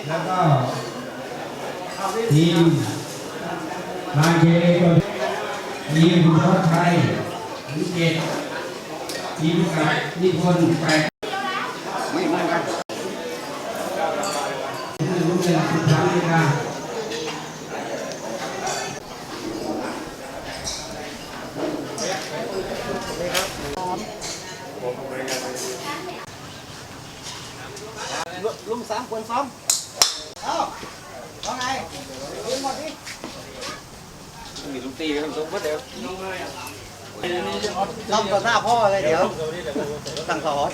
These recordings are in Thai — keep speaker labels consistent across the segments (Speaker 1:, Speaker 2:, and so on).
Speaker 1: แล้วก็ทีมบางเจตัวทีมคุณทศชัยวิเศษทีมกับนิพนธ์แปดไม่ครับรู้เป็นสุดท้ายเลยนะ
Speaker 2: ลุม3คนซ้อมเอาว่าไงลุมหมดดิมีลุมตีกันทุกคนเดี๋ยวทำต่อหน้าพ่อเลยเดี๋ยวสั่งสอน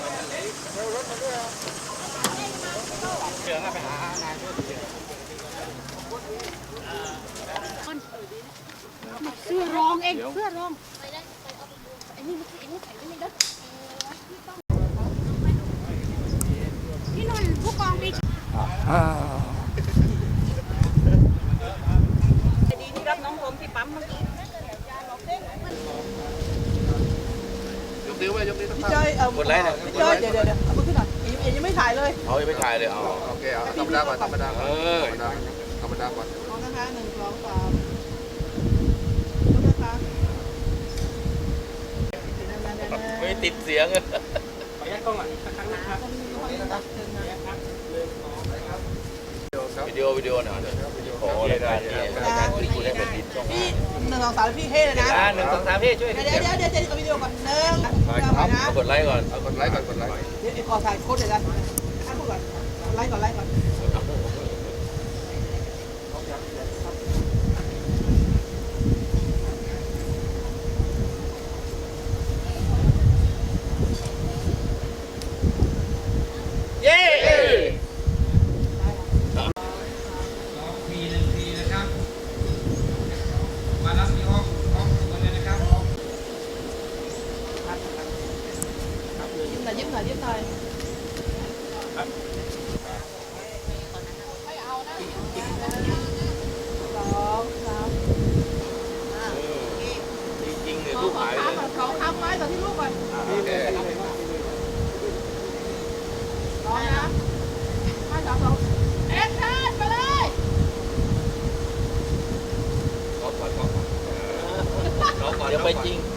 Speaker 3: เสื้อรองเองเสื้อรองไอ้นี่ใส่ไม่ได้พี่นนท์ผู้กองปีดีที่รับน้องผมที่ปั๊มเมื่อกี้
Speaker 4: ยกนิ้วไว้ยกนิ้วตั้ง
Speaker 2: พี่จ้อยหมดแล้วพี่จ้อยเดี๋ยวเอามือขึ้นหน่อยยังไม่ถ่ายเลย
Speaker 4: เอายังไม่ถ่ายเลยเอาโอเคเอาธรรมดาก่อนธรรมดาก่อนธรรมดาก่อน
Speaker 2: มองนะคะ1 2 3ดูนะคะ
Speaker 4: ไม่ติดเสียงเลย
Speaker 2: ขออนุญาตกล้องอ่ะครั้งนะครับ
Speaker 4: วิดีโอหน่อยขอรายการนี้รายการที่คุณได้เป็นดินช่อง
Speaker 2: พี่1 2 3พี่เท่เลยนะ
Speaker 4: 1 2 3พี่ช่วย
Speaker 2: เดี๋ยวเอาวิดีโอก่อน1
Speaker 4: กดไลค์ก่อน
Speaker 2: กดไลค์ก่อนเดี๋ยวขอถ่ายโค้ดเดี๋ยวนะให้พูดก่อนไลค์ก่อน
Speaker 4: เย้
Speaker 1: ปี1 ปีนะครับมารับที่ห้องตัวเลยนะครับ
Speaker 2: ยิ้มหน่อย2 3
Speaker 4: จริงๆเนี่ยลูกหายเลย
Speaker 2: เขาค้ำไว้ตอนที่ลูกก่อนร้องนะ5 2 2แอคชั่นไปเลย
Speaker 4: ร้องก่อนเดี๋ยวไปจริง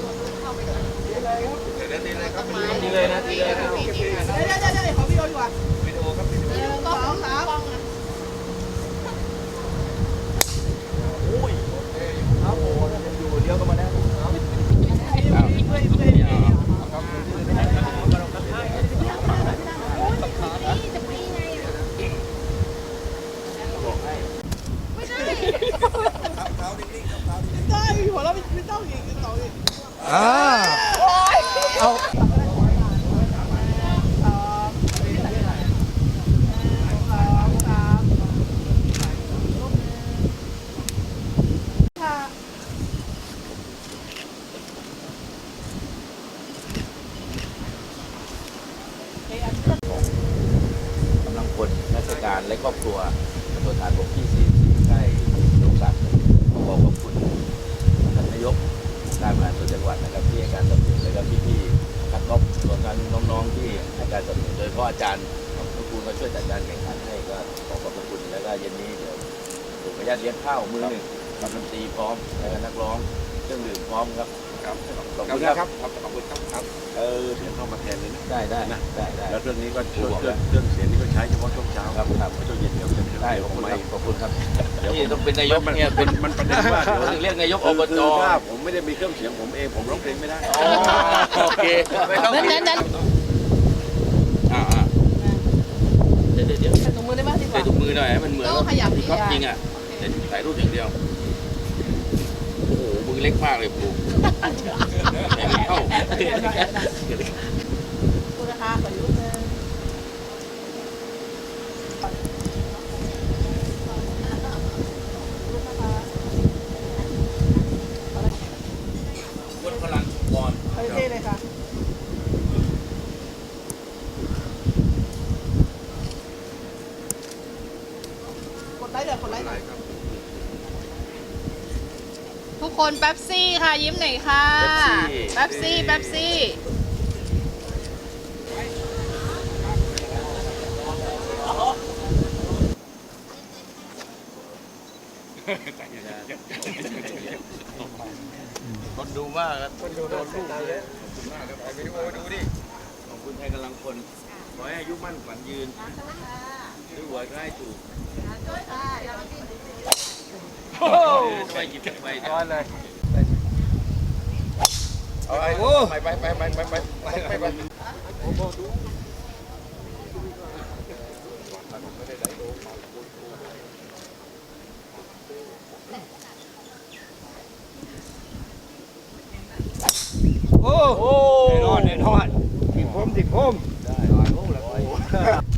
Speaker 4: ตีเลยครับตีเลยนะตีเลยนะ
Speaker 2: เดี๋ยวขอวิดีโอดีกว่า
Speaker 4: วิดีโอครับวิดีโอ
Speaker 2: 1 2 3
Speaker 4: โอ้ยครับโอ้อยู่เลี้ยวก็มาแล้ว
Speaker 2: ได้หัวเราไม่ต้องอีกต่ออีก
Speaker 1: เอา
Speaker 4: กำลังพลราชการและครอบครัวตัวฐานบกที่44ใกล้ลงศักดิ์ขอบคุณท่านนายกการบริหารส่วนจังหวัดนะครับที่ให้การสนับสนุนและก็พี่ๆนักกอล์ฟรวมทั้งน้องๆที่ให้การสนับสนุนโดยเฉพาะอาจารย์ทุกคนมาช่วยจัดการแข่งขันให้ก็ขอบคุณแล้วก็เย็นนี้เดี๋ยวผมขออนุญาตเลี้ยงข้าวมื้อหนึ่งกับดนตรีพร้อมแล้วก็นักร้องเครื่องดื่มพร้อมครับขอบคุณครับขอบคุณครับ
Speaker 5: เสียงเข้ามาแทนเลยนะ
Speaker 4: ได้
Speaker 5: แล้วเรื่องนี้ก็เครื่องเสียงนี้ก็ใช้เฉพาะช่วงเช้า
Speaker 4: ครับ
Speaker 5: ช่วงเย็นเดี๋ยวจะ
Speaker 4: ได้ขอบคุณครับที่ต้องเป็นนายกเนี่ยเป็น
Speaker 5: มันประเด็นว่า
Speaker 4: เดี๋ยวเรียกนายกอบจ
Speaker 5: ถ้าผมไม่ได้มีเครื่องเสียงผมเองผมร้องเพลงไม่ได้
Speaker 4: โอเคไม่ต้อง
Speaker 2: นั้น
Speaker 4: เดี๋ยว
Speaker 2: ใส่ถุงมือได้ไหมดีกว่า
Speaker 4: ใส่ถุงมือหน่อยให้มันเหมือนครับจริงอ่ะถ่ายรูปอย่างเดียวโอ้โหมือเล็กมากเลยปูเข้า
Speaker 2: คุณราคาขอรูปนึง
Speaker 4: วัดพลังบอล
Speaker 2: เท่เลยค่ะกดไลค์เดี๋ยวกดไลค์
Speaker 3: ทุกคนแป๊บซี่ค่ะยิ้มหน่อยค่ะแป๊บซี่
Speaker 4: คนดูมากครับคนดูโดนลูกเลยขอบคุณมากครับไปดูดิขอบคุณไทยกำลังคนขอให้อายุมั่นขวัญยืนด้วยหัวใกล้ถูกโอ้ไปหยิบไปก้อนเลยเอาไป
Speaker 2: โอ้แน่นอนติดผมได้